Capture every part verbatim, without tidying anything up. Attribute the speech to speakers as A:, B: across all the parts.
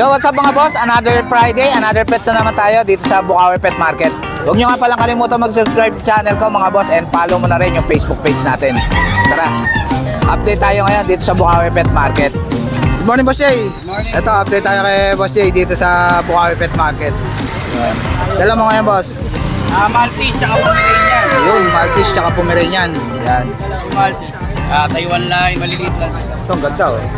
A: Yo, what's up mga boss? Another Friday, another pets na naman tayo dito sa Bukawi Pet Market. Huwag nyo nga palang kalimutan mag-subscribe sa channel ko mga boss, and follow mo na rin yung Facebook page natin. Tara, update tayo ngayon dito sa Bukawi Pet Market. Good morning, Boss Jay.
B: Morning.
A: Ito, update tayo kay Boss Jay dito sa Bukawi Pet Market. Dala mo ngayon, boss?
B: Ah, Maltese, tsaka Pomeranian.
A: Yun, Maltese tsaka Pomeranian. Yan.
B: Maltese. Ah, Taiwan line, maliliit lang.
A: Ito, ang ganda oh.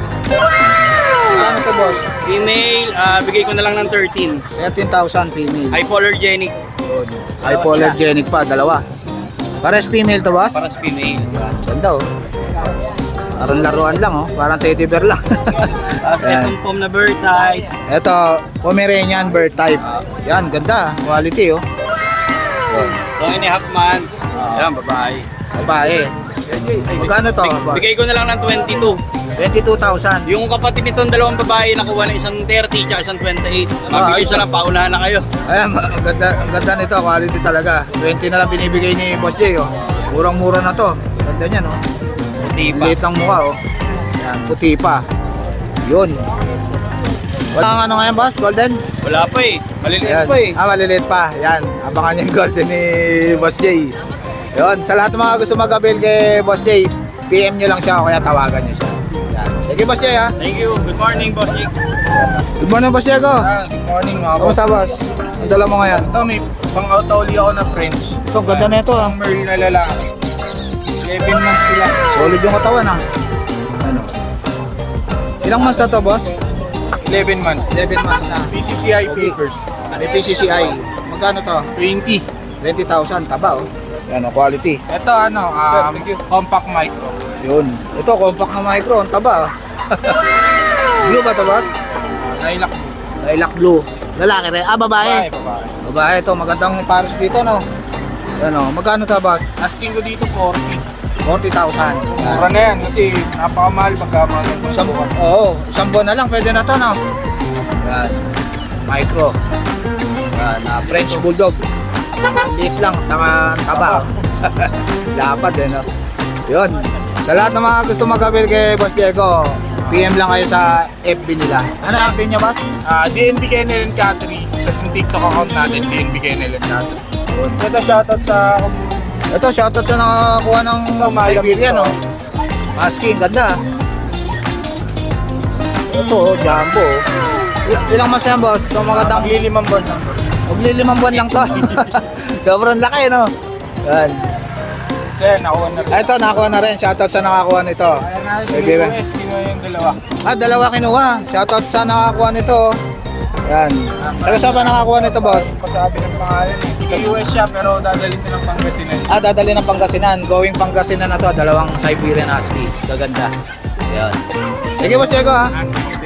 A: Ano to, boss?
B: Female, ah, bigay ko na lang ng thirteen.
A: thirteen thousand female.
B: Hypoallergenic.
A: Hypoallergenic pa, dalawa. Pares female to, boss?
B: Para sa female.
A: Ganda oh. Parang laruan lang oh, parang teddy bear lang.
B: Tapos
A: Ayan.
B: itong pom na bird type.
A: Ito, Pomeranian bird type. Yan, ganda, quality oh. Yun.
B: two and a half months. Ayan, babae.
A: Babae. Magkano to,
B: Big-
A: boss?
B: Bigay ko na lang ng twenty-two.
A: twenty-two thousand.
B: Yung kapatid nitong dalawang babae, nakuha na isang thirty tsaka isang twenty-eight.
A: Ah,
B: Mabigay
A: ayos.
B: siya lang, paunahan na kayo.
A: Ayan, ang ganda, ang ganda nito, quality talaga. twenty na lang binibigay ni Boss Jay oh. Murang-mura na to. Ganda niyan oh.
B: Di pa.
A: Liit ng mukha oh. Yan, puti pa. Yun. Wala kang ano ngayon, boss? Golden?
B: Wala pa eh. Maliliit
A: Ayan.
B: pa eh.
A: Ah, maliliit pa. Yan. Abangan yung golden ni Boss Jay. Yun. Sa lahat ng mga gusto mag-avail kay Boss Jay, P M nyo lang siya o kaya tawagan nyo siya. Yan. Sige, Boss Jay ha.
B: Thank you. Good morning, Boss Nick.
A: Good morning, Boss Diego.
C: Ah, good morning mga boss.
A: Kamusta, boss? Ang dala mo ngayon?
C: Ito, may pang-autoli ako na French.
A: Ito, ganda na ito ah.
C: Pang Merl na lalaki. eleven months sila.
A: Solid yung katawan ah. Ano? Ilang months na to, boss?
C: eleven months.
A: eleven months na.
C: P C C I papers.
A: May P C C I. Magkano to?
C: twenty.
A: twenty thousand. Taba oh. Yan oh, quality.
C: Ito ano, um, compact micro.
A: Yun. Ito, compact na micro. Ang taba. Blue ba ito, boss?
C: Lilac.
A: Lilac blue. Lalaki rin. Ah, babae.
C: Babae, babae.
A: Babae ito. Magandang pares dito, no? Yan o. Magkano ito, boss?
C: Asking ko dito forty.
A: forty thousand.
C: Mura na yan kasi napakamahal pagka mga
A: Isang, oo. Isang buwan na lang. Pwede na to, no? Yan. Micro. Yan. Uh, French Bulldog. Liit lang. Tanga, taba. Dapat eh, no? Yun. Sa lahat ng mga gusto mag-avail kay Boss Diego, P M lang kayo sa F B nila. Ano ang F B niya, boss?
C: Ah, D N B Kennel and Cattery. Tapos yung TikTok account natin, D N B Kennel and Cattery. Ito shoutout sa
A: Ito, shoutout sa nakakuha ng Siberian, no? Husky, ang ganda. Ito, oh, jumbo. oh. Il- Ilang months yan, boss? Ito, magandang...
C: maglilimang buwan na.
A: Maglilimang buwan lang to. Sobrang laki, no? Yan.
C: So yan, nakuha na rin.
A: Ah, ito, nakakuha na rin. Shoutout sa nakakuha nito.
C: Ayan na,
A: Siberian.
C: U S, kinuha yung dalawa.
A: Ah, dalawa kinuha. Shoutout sa nakakuha nito. Yan. Taga saan ba nakakuha nito, boss?
C: Pasabi ng pangalan eh. Tika U S siya pero dadalhin ko ng Pangasinan.
A: Ah, dadali ng Pangasinan. Going Pangasinan na to. Dalawang Siberian Husky. Gaganda. Yan. Sige, boss Diego, ha?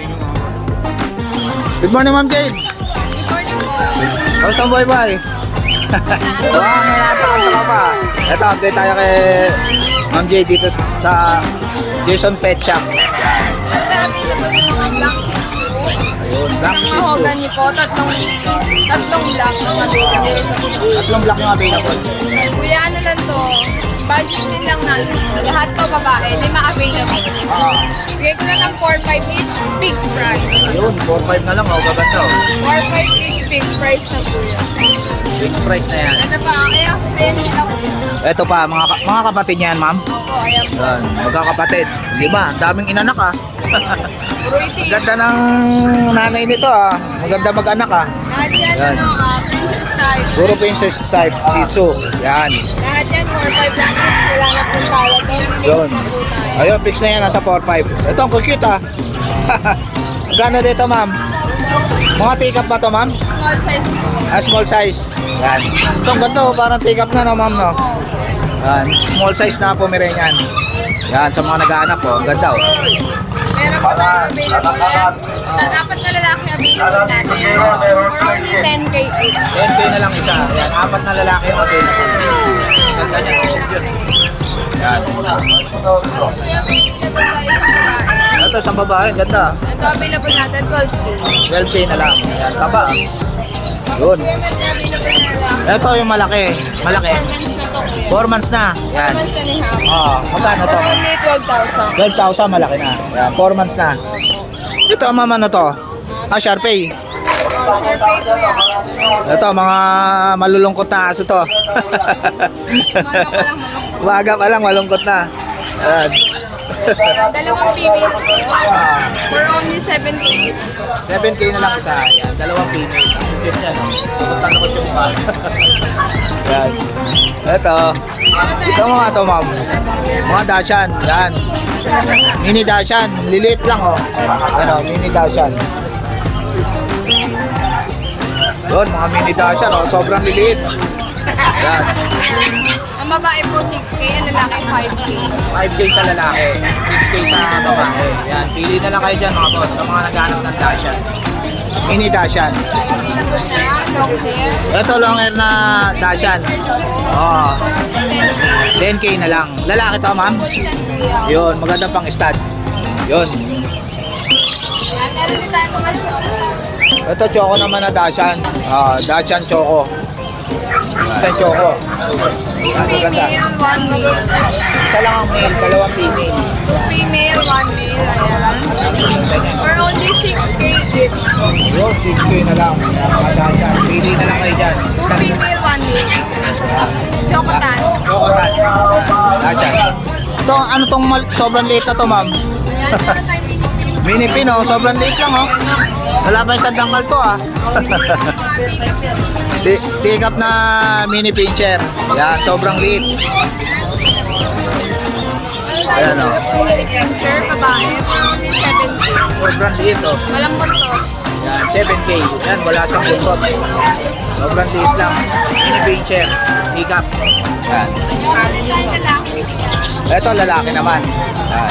A: Good morning, Ma'am Jade.
D: Good morning po.
A: Kamusta ang buhay-buhay? Wow, may natakanta ka pa. Ito, update tayo kay Ma'am Jade dito sa Jason Pet Shop.
D: Marami na po yung black shih tzu.
A: Ayun, black
D: Isang
A: shih tzu.
D: mahogany po, tatlong, tatlong black ng available.
A: Tatlong black yung available.
D: Kuya, ano lang to, budget din lang natin to. Lahat to babae, lima available.
A: Ah,
D: Bigay ko na ng four five each, fixed price.
A: ayun, four five na lang. Oh, gaganda. Oh.
D: four five each, fixed price na kuya.
A: Fixed price na yan.
D: Ano pa, kaya ayan sila kuya.
A: Ito pa, mga, ka- mga kapatid niyan, ma'am.
D: Opo, ayan po.
A: Yan, magkakapatid. Lima, ang daming inanak ah.
D: Puro iti.
A: Ganda ng nanay nito ah. Maganda mag-anak ah.
D: Lahat yan,
A: Yan.
D: ano, ah, princess type.
A: Puro princess type, Shih Tzu. Yan.
D: Lahat yan, four five lang each. Wala na po tawad doon.
A: Yun.
D: Fixed na po tayo.
A: Ayun, fix na yan, nasa four five. Ito, ang cute ah. Gano dito, ma'am? Mga take-up ba to, ma'am?
D: Small size po.
A: Ah, small size. Yan. Ito, ang ganda oh, parang take-up na, no, ma'am, no? Yan, small size na Pomeranian. Yan, sa mga nag-aanak po, ang ganda oh.
D: Meron po tayo available yan. Ta- Apat na lalaki available natin. For only ten K each.
A: ten K na lang isa. Yan, apat na lalaki yung available. Ganda niya. Yan.
D: So, yung available tayo sa babae.
A: Ito, sa babae, ganda.
D: Ito available natin, twelve K.
A: twelve K na lang. Yan, taba. Yun.
D: Yung available na lalaki.
A: Ito yung malaki. Malaki.
D: four months na to
A: four months na.
D: kuya.
A: Yan.
D: four months and a half.
A: Oh, magkano to?
D: For only twelve thousand.
A: twelve thousand, malaki na. Yan, four months na. Ito, mama na to.
D: Uh,
A: Ah, Sharpei.
D: Oh, share pay ko yan.
A: Ito, mga malulungkot na aso to.
D: Umaga ko lang malungkot.
A: Umaga pa lang, malungkot na. Ayan.
D: Dalawang female. For only seven K.
A: seven K na lang isa. Ayan, dalawang female. Ang cute niya, no? Takot-takot yung mukha. Ayan. Ito. Ito mga to, ma'am. Mga Dashan. Yan. Mini Dashan. Lilit lang, oh. Ano, mini Dashan. Yun, mga mini Dashan, oh. Sobrang lilit. Yan.
D: Ang babae po six K, ang lalaki five K.
A: five K sa lalaki, six K sa babae. Yan, pili na lang kayo dyan mga boss sa mga naghanap ng Dashan. Mini Dashan.
D: Available na, long hair.
A: Ito long hair na Dashan. Oh, ten K na lang. Lalaki to, ma'am.
D: Persian Korea.
A: Yun, maganda pang stud. Yun.
D: Yan, meron din tayo mga choco.
A: Ito choco naman na Dashan. Ah, Dashan choco. Dashan choco. Yan, maganda.
D: Female, one male.
A: Isa lang ang male, dalawang female.
D: Female, one male. Ayan. For only six K each.
A: Yun, six K na lang. Yan, mga Dashan. Pili na lang kayo dyan.
D: Two
A: Isang
D: female, one male. Chocotan.
A: Chocotan. Dashan. Ito, ano tong mal- sobrang late na to, ma'am?
D: Yan, meron tayong mini pin.
A: Mini pin, oh. Sobrang late lang, oh. Wala pa yung sandangkal to, ah. Ti- Take up na mini pincher. Yan, sobrang late. Ayan, oh.
D: Mini pincher, babae. For only seven K.
A: Sobrang late, oh.
D: Malambot to.
A: Yan, seven K. Yan, wala siyang buntot. Sobrang late lang. Mini pincher. Take up. Yan.
D: Yan, tayo lalaki.
A: Ito, lalaki naman. Yan.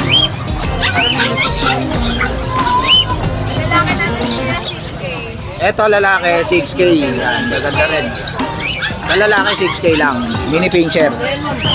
D: Lalaki natin sila six K.
A: Ito, lalaki, six K. Yan, maganda rin. Sa lalaki, six K lang. Mini pincher.
D: And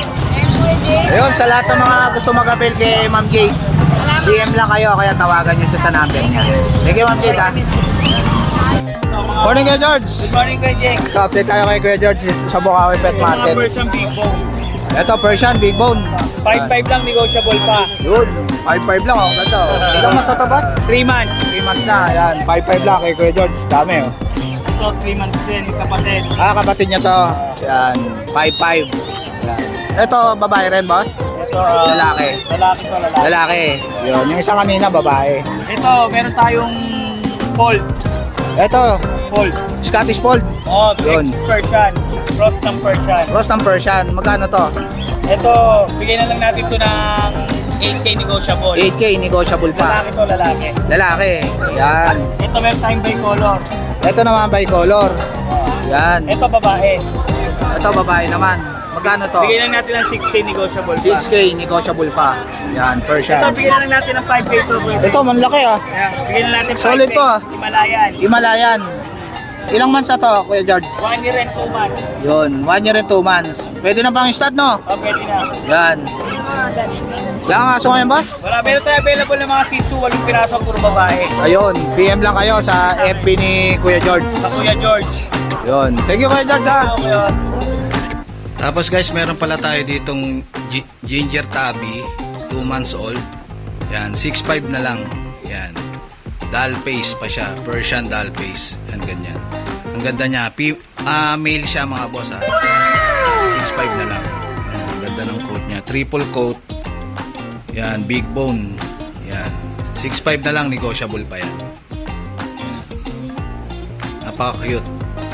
D: pwede.
A: Ayun, sa lahat ng mga gusto mag-appel kay Ma'am Jade, D M lang kayo, kaya tawagan nyo siya sa number niya. Thank you, Ma'am Jade, ha. Morning, Kuya George.
B: Good morning kay Jeng.
A: Ito, update tayo kay Kuya George sa Bukawi Pet
B: Mga
A: Market.
B: Persian Big Bone.
A: Ito, Persian, Big Bone.
B: five five lang, negotiable pa.
A: Yun, five five lang, oh. Ganda, oh. Ilang mas na to, boss?
B: three months.
A: three months na, ayan. five five lang kay Kuya George. Dami, oh.
B: Ito, three months din, kapatid.
A: Ah, kapatid niya to. Ayan, five five. Ayan. Ito, babae rin, boss?
B: Ito, ah,
A: Lalaki.
B: lalaki to, lalaki.
A: Lalaki. Yun, yung isa kanina, babae.
B: Ito, meron tayong fold.
A: Ito,
B: Fold.
A: Scottish Fold.
B: Oh,
A: Yun.
B: X Persian. Cross ng Persian.
A: Ross ng Persian. Magkano to?
B: Ito, bigay na lang natin to ng eight K negotiable.
A: eight K, negotiable pa.
B: Lalaki to, lalaki.
A: Lalaki. Yan.
B: Ito, meron tayong bicolor.
A: Ito naman bicolor. Yan.
B: Ito, babae.
A: Ito babae naman. Magkano to?
B: Bigay lang natin ng six K negotiable pa.
A: six K, negotiable pa. Yan,
B: Ito,
A: Persian.
B: bigyan lang natin ng five K to.
A: Ito, manlaki ah.
B: Ayan, bigyan na natin five K.
A: Solid to, ah.
B: Himalayan.
A: Himalayan. Ilang months na to, Kuya George?
B: One year and two months.
A: Yun, one year and two months. Pwede na pang stud, no?
B: Oh, pwede na.
A: Yan. Wala kang aso ngayon, boss?
B: Wala, meron tayo available ng mga Shih Tzu, walong piraso, puro babae.
A: Ayun, P M lang kayo sa F B ni Kuya George.
B: Sa Kuya George.
A: Yun. Thank you, Kuya George, ha?
B: Okay, oh.
E: Tapos guys, meron pala tayo ditong gi- ginger tabby, two months old. Yan, six five na lang. Yan. Doll face pa siya, Persian doll face. Yan, ganyan. Ang ganda niya. P- ah, male siya mga boss, ha. six five na lang. Yan, ang ganda ng coat niya. Triple coat. Yan, big bone. Yan. six five na lang, negotiable pa yan. Yan. Napaka-cute.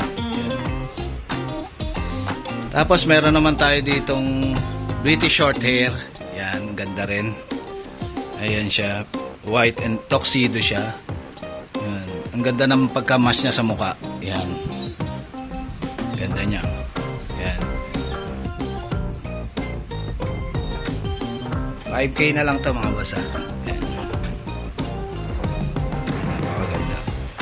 E: Tapos meron naman tayo ditong British short hair. Yan, ganda rin. Ayan siya. White and tuxedo siya. Yan. Ang ganda ng pagka-match niya sa mukha. Yan. Ganda niya. Yan. five K na lang to mga boss, ha. Yan. Napakaganda.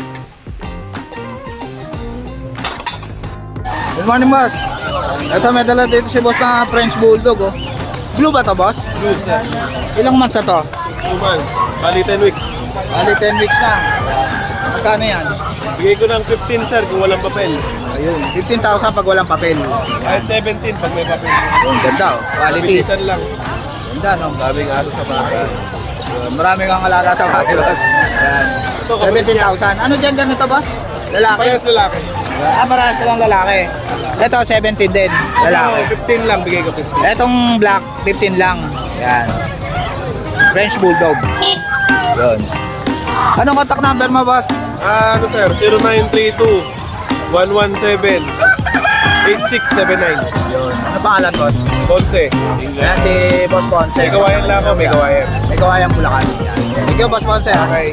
A: Good morning, boss. Ito, may dala dito si boss na French Bulldog, oh. Blue ba to, boss?
C: Blue, sir.
A: Ilang months na to?
C: Two months. Bali ten weeks.
A: Bali, ten weeks na. Magkano yan?
C: Bigay ko ng fifteen, sir, kung walang papel.
A: Ayun, fifteen thousand pag walang papel.
C: Kahit seventeen pag may papel.
A: Ayun, ganda, oh. Quality.
C: Mabilisan lang.
A: Ganda, no?
C: Daming araw sa bata.
A: Yun, marami kang alaga sa bahay, boss. Yan. seventeen thousand. Ano gender nito, boss? Lalaki?
C: Parehas lalaki.
A: Ah, parehas silang lalaki. Ito, seventeen din. Lalaki.
C: Ano, fifteen lang, bigay ko fifteen.
A: Etong black, fifteen lang. Yan. French Bulldog. Yun. Anong contact number mo, boss?
C: Ah, ano sir, zero nine three two, one one seven, eight six seven nine.
A: Yun. Ano pangalan, boss?
C: Ponce.
A: Yan si Boss Ponce.
C: May kawayan lang ako, may kawayan.
A: May kawayan Bulacan. Yan. Thank you, Boss Ponce. Okay.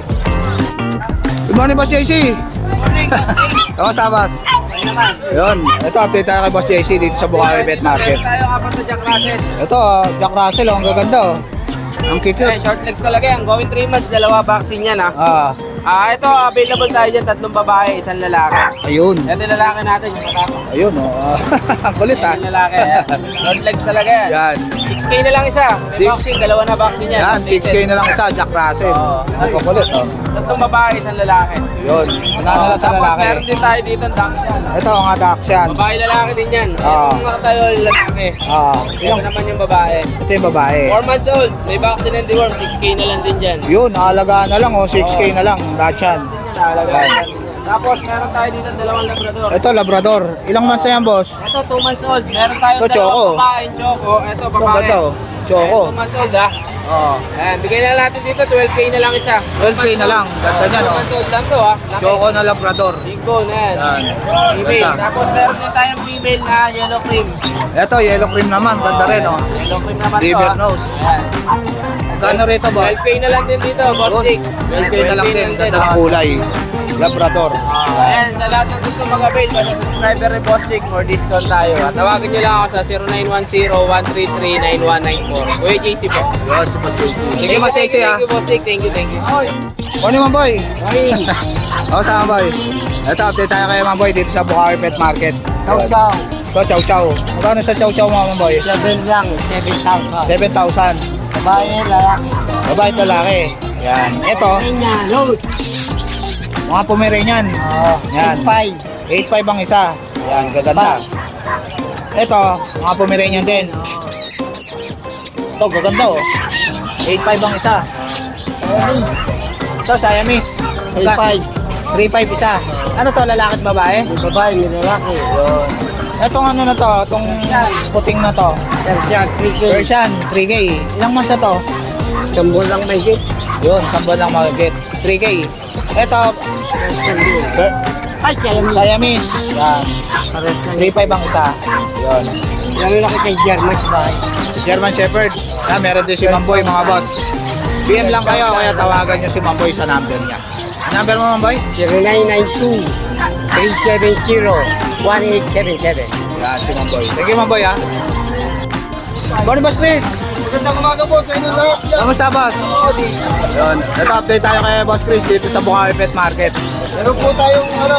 A: Good morning, Boss J C.
B: Morning, Boss Dave.
A: Kamusta, boss?
B: Ay naman.
A: Yun. Ito, update tayo kay Boss J C dito sa Bukawi Pet Market.
B: Meron tayo kapag sa Jack Russell.
A: Ito, Jack Russell, oh, ang gaganda. Oh. Ang
B: Eh,
A: cute.
B: short legs talaga yan. Going three months, dalawa vaccine yan ha.
A: Ah,
B: Ah, ito available tayo dyan, tatlong babae, isang lalaki.
A: ayun.
B: Ito yung lalaki natin, yung matako.
A: Ayun, oh. Ang kulit, ah.
B: Yung lalaki, yan. Short legs talaga yan.
A: Yan.
B: six K na lang isa. May
A: Six-
B: vaccine, dalawa na vaccine yan.
A: Yan, six K na lang isa, Jack Russell.
B: Oo.
A: Ang kukulit, oh.
B: Tatlong babae, isang lalaki.
A: Yun. Nanala sa
B: Tapos
A: lalaki.
B: meron din tayo dito ang Dachshund.
A: Ito, ang Dachshund.
B: Babae lalaki din yan.
A: Oo.
B: Ito mga tayo yung lalaki.
A: Ah,
B: Ito
A: yung,
B: naman yung babae.
A: ito yung babae.
B: four months old, may vaccine and deworm, six K na lang din dyan.
A: Yun, alagaan na lang, oh. six K na lang, Dachshund.
B: Talaga. Tapos meron tayo dito dalawang labrador.
A: Ito, Labrador. Ilang months na yan, boss?
B: Ito two months old. Meron tayong
A: Ito, Choco.
B: dalawang babaeng choco. Ito
A: Ito,
B: babae.
A: ganda, oh. Choco.
B: two months old ha.
A: Oo.
B: Ayan, bigay na natin dito twelve K na lang isa.
A: twelve K na lang. Ganda niyan,
B: two
A: oh.
B: months old lang to ha. Laki.
A: Choco na Labrador.
B: Big bone na yan.
A: Yan.
B: Female.
A: Ganda.
B: Tapos meron din tayong female na yellow cream.
A: Ito, yellow cream naman. Ganda rin, oh.
B: Yellow cream naman to
A: River
B: ha.
A: nose.
B: Ayan.
A: Magkano rito, boss?
B: twelve K na lang din dito, boss
A: Yun,
B: Dick.
A: twelve K na lang din. Ganda ng
B: oh.
A: kulay. Labrador.
B: Ayan, sa lahat ng gusto mag-avail, basta subscriber ni Boss Dick for discount tayo. At tawagan niyo lang ako sa zero nine one zero, one three three, nine one nine four. Kuya J C po.
A: Yun, si Boss J C. Sige, Boss J C, ha.
B: Thank you, Boss Dick. Thank you, thank you.
A: Morning, mga boy. O, sama, boy. Ito, update tayo kayo, mga boy, dito sa Bukawi Pet Market.
F: Chow chow.
A: Ito, chow chow. Magkano sa chow chow, mga boy?
F: Seven lang, seven thousand.
A: seven thousand.
F: Babae, lalaki.
A: Babae at lalaki. Yan. Ito,
F: Kanya, load.
A: mga Pomeranian.
F: Oh,
A: Yan.
F: five.
A: eight five ang isa. Yan, gaganda. Ito, mga Pomeranian din. Ito, gaganda, oh. eight five ang isa. Ito, Siamese.
F: Three five.
A: three five isa. Ano to, lalaki at babae?
F: Babae, may lalaki.
A: Yun. Itong ano na to, itong puting na to.
F: Persian, three K.
A: Persian, three K. Ilang months na to?
F: Sambol lang may hit.
A: Yun, sambal lang mag-get. three K. Ito,
F: Ay, kaya mo.
A: Siamese. Yan.
F: Pares lang.
A: three five ang isa. Yun.
F: Yan laki kay German sa bahay.
A: German Shepherd. Ah, meron din si Mamboy, mga boss. P M lang kayo, kaya tawagan nyo si Mamboy sa number niya. Ang number mo, Mamboy?
F: zero nine nine two, three seven zero, one eight seven seven.
A: Yan, si Mamboy. Thank you, Mamboy, ha. Morning, Boss Chris.
C: Magandang umaga po sa inyo lahat.
A: Kamusta, boss? Yun. Ito, update tayo kay Boss Chris dito sa Bukawi Pet Market.
C: Meron po tayong ano,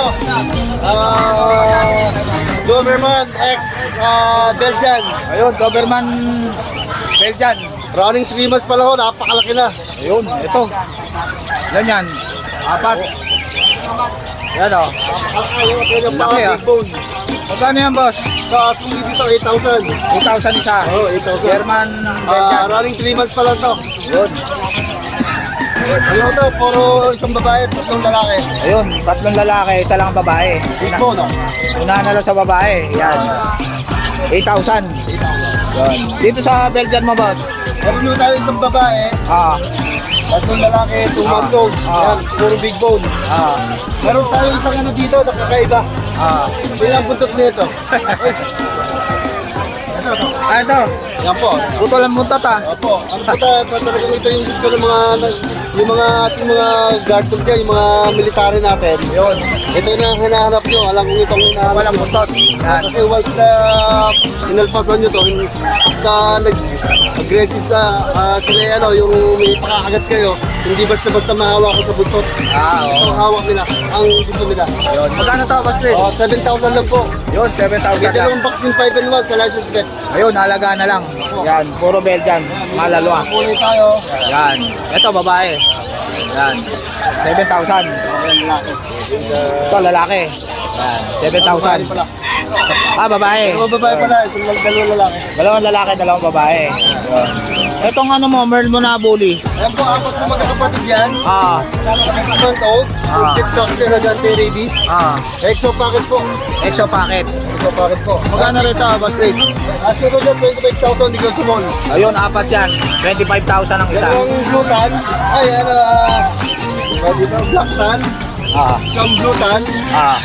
C: ah, Doberman X ah, Belgian.
A: Ayun, Doberman Belgian.
C: Running three months pa lang ho, napakalaki na.
A: Ayun, ito. Yan yan. Apat. Yan, o.
C: Kanyang mga
A: Laki, ah.
C: big bone.
A: Magkano yan, boss?
C: Sa sulit dito, eight thousand.
A: eight thousand isa.
C: Oo, eight thousand.
A: German
C: Ah,
A: Belgian.
C: running three months pa lang to.
A: Yun.
C: Ano to, puro isang babae, tatlong lalaki.
A: Ayun, tatlong lalaki, isa lang babae.
C: Big bone, no?
A: Unahan na lang sa babae. Yan. eight thousand. Yan. Dito sa Belgian mo, boss.
C: Meron nyo tayo isang babae,
A: Ah,
C: tatlong lalaki, two months old.
A: Ah.
C: Yan, puro big bone.
A: ah,
C: Meron tayo isang ano dito, nakakaiba.
A: ah.
C: Yun ang buntot nito.
A: Ah, ito.
C: Yan po.
A: Putol ang muntat, ah.
C: Opo, ang puta, talaga ito yung gusto ng mga, yung mga ating mga guard dog dyan, yung mga military natin.
A: Yun.
C: Ito yung ang hinahanap nyo, alam kong itong hinahanap
A: Walang
C: nyo.
A: buntot. Yan.
C: Kasi once na inalpasan nyo to, hindi ka nag-aggressive sa uh, sila ano, yung may pakakagat kayo, hindi basta-basta mahawa ko sa buntot.
A: Ah, oo.
C: Ang hawak nila, ang gusto nila.
A: Yun. Magkano to, boss Chris?
C: Oh, seven thousand lang po.
A: Yun, seven thousand
C: Ito
A: lang.
C: yung vaccine five and one sa license vet.
A: Ayun, halaga na lang. Yan, puro Belgian. Malalwa.
C: Kunin tayo.
A: Yan. Ito, babae. Yan. seven thousand. Ito, lalaki. Yan. seven thousand.
C: Pala.
A: Ah, babae.
C: Dalawang babae pala, itong dalawang lalaki.
A: Dalawang lalaki, dalawang babae. Yun. Etong ano mo, Merl mo na bully.
C: Ayan po, apat na magkakapatid yan.
A: Ah,
C: six month old.
A: Ah.
C: Complete vaccine na anti-rabies.
A: ah,
C: Exo packet po.
A: exo packet.
C: Exo packet po.
A: Magkano rito, Boss Chris?
C: Aso ko dyan, twenty-five thousand, di ko sumol.
A: Ayun, apat yan. twenty-five thousand ang isa.
C: Yan ang blue tan. Ayan, ah, uh, dito, black tan.
A: Ah,
C: Isang blue tan.
A: ah,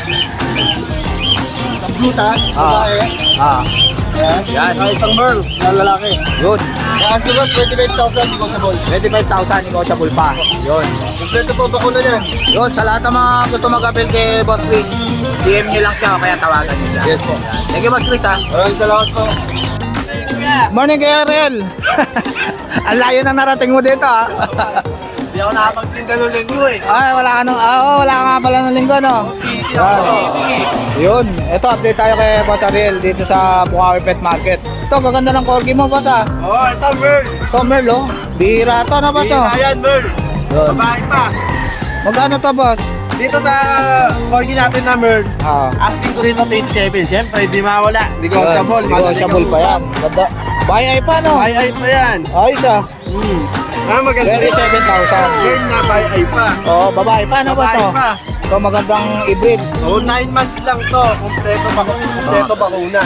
C: Isang blue tan.
A: Ah.
C: Babae.
A: ah.
C: Ayan.
A: Yan.
C: Ah, isang merl na lalaki.
A: Yun.
C: Ayan, aso ko, twenty-five thousand, di ko sumol.
A: twenty-five thousand, negotiable pa. Yun.
C: Kompleto po bakuna niyan.
A: Yun, sa lahat ng mga gusto mag-appeal kay Boss Chris, D M nyo lang siya o kaya tawagan nyo siya.
C: Yes po.
A: Thank you, Boss Chris, ha.
C: Maraming salamat po.
A: Morning, Kuya Ariel. Ang layo na narating mo dito, ha.
B: Hindi ako nakapagtinda ng linggo eh.
A: Ay, wala ka nung, ah, oo, wala ka nga pala ng linggo, no? Yan. Yun, ito, update tayo kay Boss Ariel dito sa Bukawi Pet Market. Ito, gaganda ng corgi mo, Boss, ha.
B: Oo, oh, ito Merl.
A: Ito, Merl, oh. Bihira to, no, Boss, no?
B: Ayan Merl.
A: Yun.
B: Babae pa.
A: Magkano to, Boss?
B: Dito sa corgi natin na Merl,
A: Ah.
B: asking ko dito twenty-seven. Siyempre, di mawala. Negotiable.
A: Negotiable pa yan. Ganda. Bayay pa, no?
B: Ay ay pa yan.
A: Ayos, ah.
B: Hmm. Ah, maganda.
A: thirty-seven thousand.
B: Merl na bay ay pa.
A: Oo, oh, babae pa, no, Boss,
B: Babae
A: no?
B: pa.
A: Ito, magandang hybrid.
B: Oh, nine months lang to. Kompleto ba kompleto bakuna.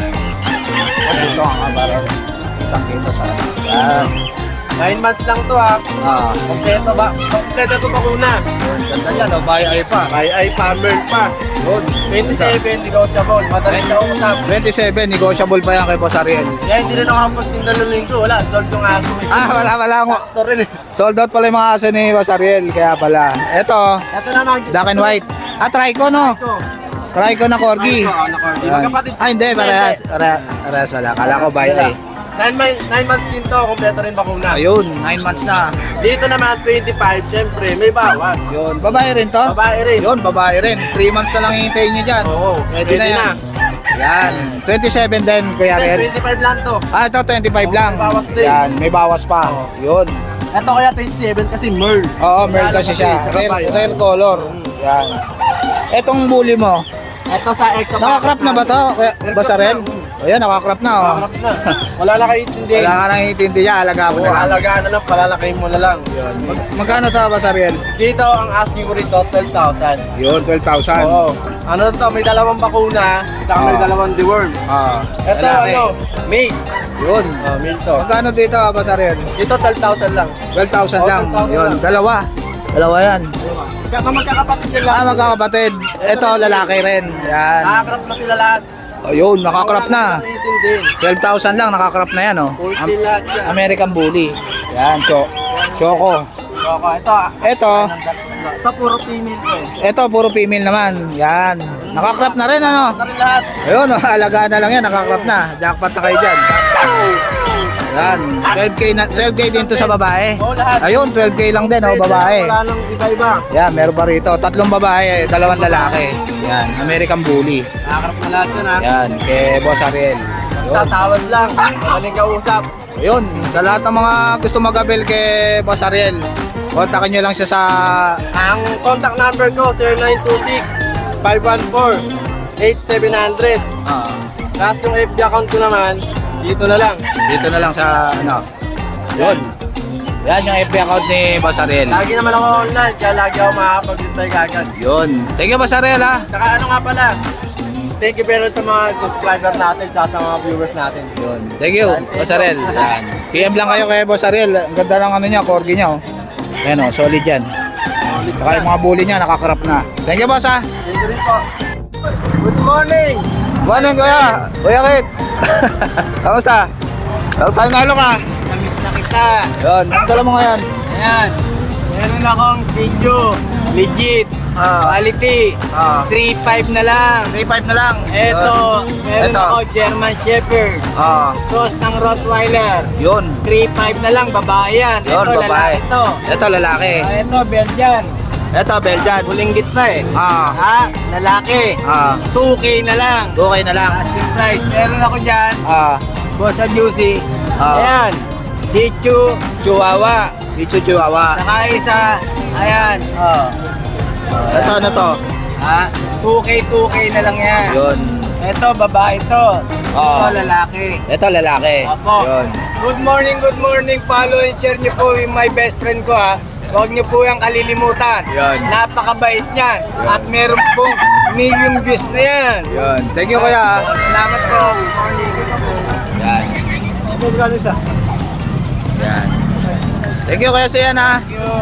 A: Ito ang kabarang kitang kita sa yan.
B: nine months lang to ha.
A: Ah,
B: Kompleto ba? Kompleto to bakuna.
A: yun, ganda yan, oh, bayay pa.
B: Ay ay pa Merl pa.
A: Yun.
B: twenty-seven negotiable. Madaling kausap.
A: twenty-seven, negotiable pa yan kay Boss Ariel.
B: Kaya hindi rin ako magtinda ng linggo. Wala, sold yung aso. eh.
A: Ah, wala, wala ako.
B: Ito rin eh.
A: Sold out pala yung mga aso ni Boss Ariel, kaya pala. Ito,
B: Ito naman.
A: black and white. Ah, try ko, no?
B: Ito.
A: Try ko na corgi.
B: Ito, ano, corgi.
A: Yan.
B: Magkapatid.
A: Ah, hindi, parehas. Pare- Parehas wala. Kala ko bayay.
B: Nine, months, nine months din to. Kompleto rin bakuna.
A: Ayun, nine months na.
B: Dito naman twenty-five. Siyempre, may bawas.
A: Yun, babae rin to?
B: Babae rin.
A: Yun, babae rin. three months na lang hihintayin nyo dyan.
B: Oo.
A: Pwede na yan. Yan. twenty-seven din, Kuya Ariel.
B: twenty-five lang to.
A: Ah, ito twenty-five
B: Oo,
A: lang.
B: may bawas din.
A: Yan, may bawas pa.
B: Oo.
A: Yun.
B: Ito kaya twenty-seven kasi Merl.
A: Oo, meron kasi siya.
B: Tsaka
A: Rare,
B: bayo.
A: rare color. Yan. Etong bully mo,
B: Ito sa exo.
A: nakakrap na ba to? Kuya Boss Ariel? Ayan, nakakrap na, oh.
B: Nakakrap na. Wala na kayo intindihin.
A: Wala ka nang intindi niya, alaga mo
B: Oo,
A: na lang.
B: alagaan na lang, palalakayin mo na lang.
A: Yun. Mag- magkano to, Boss Ariel?
B: Dito, ang asking ko rito, twelve thousand.
A: Yun, twelve thousand.
B: Oo. Ano to, may dalawang bakuna, tsaka may
A: Oo.
B: dalawang deworm.
A: Ah,
B: Ito,
A: lalaki.
B: ano, male.
A: Yun.
B: Oh, male to.
A: Magkano dito, Boss Ariel?
B: Dito, twelve thousand lang.
A: twelve thousand
B: Oh,
A: lang.
B: twelve thousand
A: Yun,
B: lang.
A: dalawa. Dalawa yan.
B: Tsaka magkakapatid sila.
A: Ah, magkakapatid. Ito, lalaki rin. Yan.
B: Nakakrap na sila lahat.
A: Ayun, nakakrap na.
B: Wala na intindihin.
A: twelve thousand lang, nakakrap na yan, oh.
B: Ulti lahat yan.
A: American Bully. Yan, cho Choco.
B: Choco, ito. ah.
A: Ito,
B: Ito, puro female ko eh.
A: ito, puro female naman. Yan. Nakakrap na rin, ano?
B: Ito rin lahat.
A: Ayun, oh, alagaan na lang yan, nakakrap na. Jackpot na kayo dyan. Yan, twelve K na, twelve K din to sa babae.
B: Oo, lahat.
A: Ayun, twelve K lang din, oh, babae.
B: Wala nang iba-iba.
A: Yan, meron pa rito. Tatlong babae, dalawang lalaki. Yan, American Bully.
B: Nakakrap na lahat yun ha.
A: Yan, kay Boss Ariel. Yun.
B: Tatawad lang. Madaling kausap.
A: Ayun, sa lahat ng mga gusto mag-avail kay Boss Ariel, kontakin nyo lang siya sa...
B: Ang contact number ko, zero nine two six, five one four, eight seven zero zero.
A: ah,
B: Tapos yung F B account ko naman, dito na lang.
A: dito na lang sa ano. Yun. Yan yung F B account ni Boss Ariel.
B: Lagi naman ako online, kaya lagi ako makakapag-reply kagad.
A: Yun. Thank you, Boss Ariel, ha.
B: Tsaka ano nga pala, thank you very much sa mga subscriber natin, tsaka sa mga viewers natin.
A: Yun. Thank you, Boss Ariel. Yan. P M lang kayo kay Boss Ariel. Ang ganda ng ano niya, corgi niya, oh. Yan, oh, solid yan. Saka yung mga bully niya, nakakrap na. Thank you, Boss, ha.
B: Thank you rin po. Good morning!
A: Morning, Kuya. Kuya Kit. Kamusta? Tawag tayo nalo ka.
B: Namiss na kita.
A: Yun. Ang dala mo ngayon.
B: Ayan, meron akong Sitio, legit,
A: Ah.
B: quality,
A: Ah.
B: three five na lang.
A: three five na lang.
B: Eto, meron
A: Eto.
B: ako German Shepherd,
A: Ah.
B: cross ng Rottweiler,
A: Yun.
B: three five na lang, babae yan.
A: Yun,
B: Ito,
A: babae.
B: lalaki ito.
A: Ito, lalaki.
B: Ah, ito, Belgian,
A: Ito, Belgian.
B: bulinggit pa eh.
A: Ah.
B: Ha, lalaki,
A: Ah.
B: two K na lang.
A: Okay na lang.
B: Asking price, meron ako dyan,
A: Ah.
B: Bossa Juicy.
A: Ah.
B: Ayan, Shih Tzu, Chihuahua.
A: Pichu Chihuahua.
B: Saka isa, ayan, oh.
A: Ito, ano to?
B: Ha, two K, two K na lang yan.
A: Yun.
B: Ito, babae ito.
A: Oo.
B: Ito, lalaki.
A: Ito, lalaki.
B: Apo.
A: Yun.
B: Good morning, good morning. Follow and share niyo po yung my best friend ko ha. Huwag niyo po yung kalilimutan.
A: Yan.
B: Napakabait niyan. At meron pong million views na yan.
A: Yun. Thank you, kuya. ah.
B: Salamat po. Good morning.
A: Yan.
B: Ito, gano'n isa.
A: Yan. Thank you, kuya Sian, ha.
B: Thank you.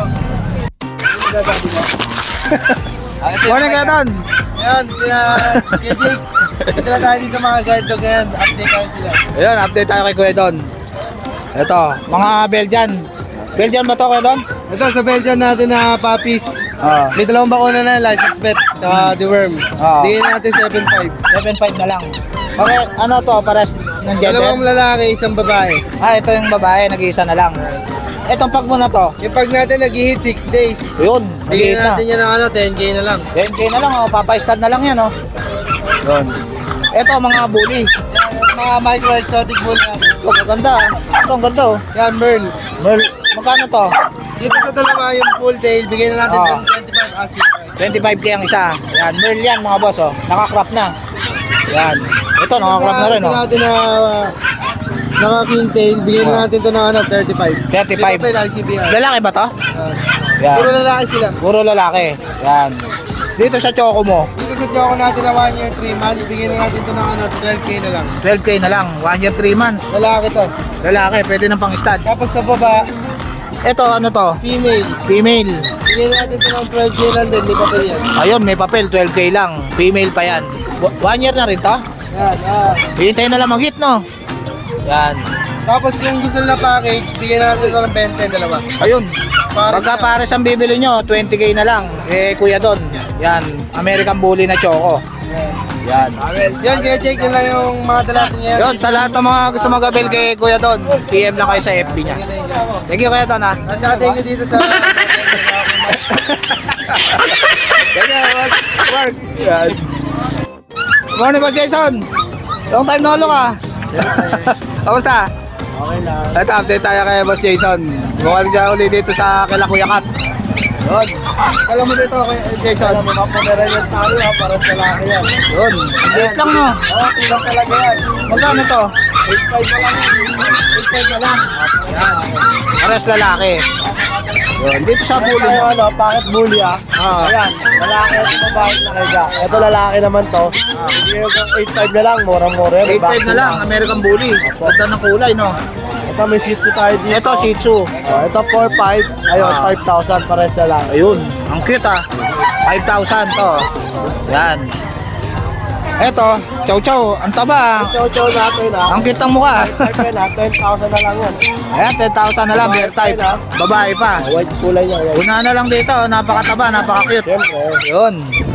A: Morning, kuya Don.
C: Yan, kaya kaya Jake. Ito na tayo dito mga guard dog ngayon. Update tayo sila.
A: Ayun, update tayo kay Kuya Don. Ito, mga Belgian. Belgian ba to, Kuya Don?
C: Ito sa Belgian natin na puppies.
A: Oo.
C: May dalawang bakuna na, license vet, saka deworm.
A: Ah.
C: Bigyan natin seven five.
A: seven five na lang. Okay, ano to, pares ng
C: Dalawang
A: gender?
C: lalaki, isang babae.
A: Ah, ito yung babae, nag-iisa na lang. Itong pag mo na to,
C: Yung pag natin nag-hit six days.
A: yun,
C: Bigyan
A: nag-iit na.
C: natin yan ng ano, ten K na lang.
A: ten K na lang, oh, papa-stud na lang yan, oh. Yun. Ito, mga bully.
C: Mga micro exotic bull na.
A: Oh, ang ganda, ah. Ito, ang ganda, oh.
C: Yan, Merl.
A: Merl, magkano to?
C: Dito sa dalawa yung full tail, bigyan na natin
A: Ah.
C: ng twenty-five asking price.
A: twenty-five K ang isa. Yan, Merl yan, mga boss, oh. Naka-crop na. Yan. Ito, naka-crop na rin,
C: Ito
A: oh.
C: natin na uh, naka king tail, bigyan na natin to ng ano, thirty-five.
A: thirty-five.
C: Di ba I C B R?
A: Lalaki ba to?
C: Ah.
A: Yan.
C: Puro lalaki sila.
A: Puro lalaki. Yan. Dito sa choco mo,
C: Dito sa Choco natin na one year, three months, bigyan na natin to ng ano, twelve K na lang.
A: twelve K na lang. one year, three months.
C: Lalaki to.
A: Lalaki, pwede ng pang-stud.
C: Tapos sa baba,
A: Ito, ano to?
C: female.
A: Female.
C: Bigyan na natin to ng twelve K lang din, di pa pa yan.
A: Ayun, may papel, twelve K lang. Female pa yan. W- One year na rin to?
C: Yan, ah.
A: Hintay na lang mag-hit, no? Yan.
C: Tapos kung gusto nila package, bigyan na natin to ng twenty, dalawa.
A: Ayun.
C: Pares
A: Pagka
C: na.
A: pares ang bibili nyo, twenty K na lang. Eh, kuya Don. Yan. American Bully na choco. Yan.
C: Yan, kaya check yun lang yung mga dala natin yan.
A: Yun, sa lahat ng mga gusto mag-avail kay Kuya Don, P M lang kayo sa F B niya. Thank you, Kuya Don, ha?
C: At saka thank you dito sa...
A: Thank you, work. Work. Yan. Morning, Boss Jason. Long time no look, ha? Kamusta?
C: Okay lang.
A: Ito, update tayo kay Boss Jason. Bumalik siya ulit dito sa kila Kuya Kat. Yun. Alam mo dito kay Jason.
C: Alam mo, mapameran yung tao ha, para sa lalaki yan.
A: Yun. Wait lang, no?
C: Oo, tilang talaga yan.
A: Magkano to?
C: eight five na lang yan. eight five na lang.
A: Yan. Pares lalaki. Yun. Dito sa
C: Ito
A: bully
C: yung
A: mo.
C: ano, packet bully ah.
A: Ah.
C: Ayan, lalaki at babae na kaya. Ito lalaki naman to. Bigyan ko eight five na lang, mura-mura.
A: eight five na lang, American Bully. Ganda ng kulay, no?
C: Ito may Shih Tzu tayo dito.
A: Ito, Shih Tzu.
C: Oh, ito four five. Ayun,
A: Ah.
C: five thousand pares na lang.
A: Ayun. Ang cute, ah. five thousand to. Yan. Ito, chow chow. Ang taba, ah.
C: Chow-chow natin ah.
A: Ang cute ng mukha.
C: five na, ten thousand na lang yan.
A: Ayan, ten thousand na lang, bear type. Babae pa.
C: White kulay niya. Yan.
A: Una na lang dito, napakataba, napaka-cute.
C: Siyempre.
A: Yun.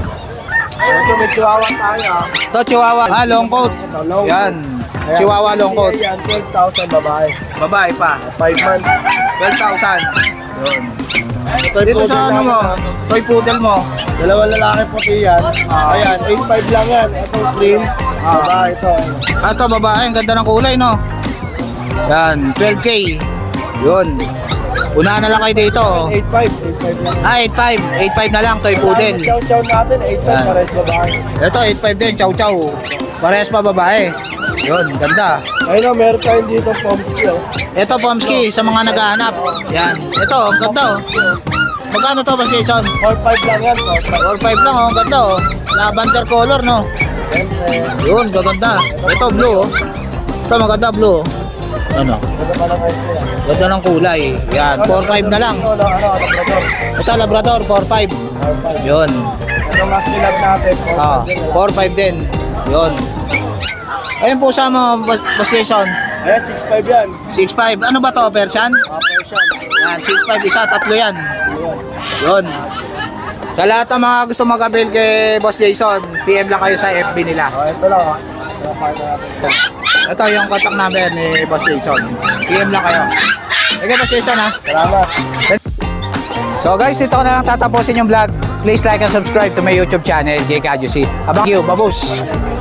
C: Ito may chihuahua tayo ah.
A: Ito, chihuahua. Ah, long coat. Yan. Chihuahua long coat.
C: Yan, twelve thousand babae.
A: Babae pa.
C: five months.
A: twelve thousand. Yun.
C: Ito
A: Dito sa ano mo, toy poodle mo.
C: Dalawang lalaki puti yan. Ayan, eight five lang yan. Ito cream.
A: Ah.
C: Babae ito.
A: Ah, ito, babae. Ang ganda ng kulay, no? Yan, twelve K. Yun. Una na lang kayo dito.
C: eight five. eight five lang.
A: Ah, eight five. eight five na lang, toy poodle.
C: Chow-chow natin, eight five
A: Yan.
C: pares babae.
A: Ito, eight five din, chow chow. Parehas pa babae. Yun, ganda.
C: Ayun o, meron tayo dito Pomsky oh.
A: Ito, Pomsky, sa mga naghahanap. Yan. Ito, ang ganda, oh. Magkano to ba, Jason?
C: four five lang yan. four five.
A: four five lang, oh. Ang ganda, oh. Lavender color, no?
C: Siyempre.
A: Yun, gaganda. Ito, blue, oh. Ito, maganda, blue, oh. Ano?
C: Ito pa lang guys nila.
A: Ganda ng kulay. Yan, four five na lang.
C: Ito, ano, ano, ano, ito.
A: Ito, Labrador, four five.
C: four five.
A: Yun.
C: Ito mas kilab natin. four
A: Ah,
C: five din.
A: four five din. Yun. Ayun po sa mga Boss Boss Jason.
C: Ayan, six five yan.
A: six five. Ano ba to, Persian?
C: Ah, Persian.
A: Yan, six five isa, tatlo yan. Yun. Sa lahat ng mga gusto mag-avail kay Boss Jason, P M lang kayo sa F B nila.
C: Ah, ito lang ah. Ito partner natin.
A: Ito yung contact number ni Boss Jason. P M lang kayo. Okay, Boss Jason, ha?
C: Salamat.
A: So guys, dito ko na lang tatapusin yung vlog. Please like and subscribe to my YouTube channel, J K Adjusi. Abang you, babus!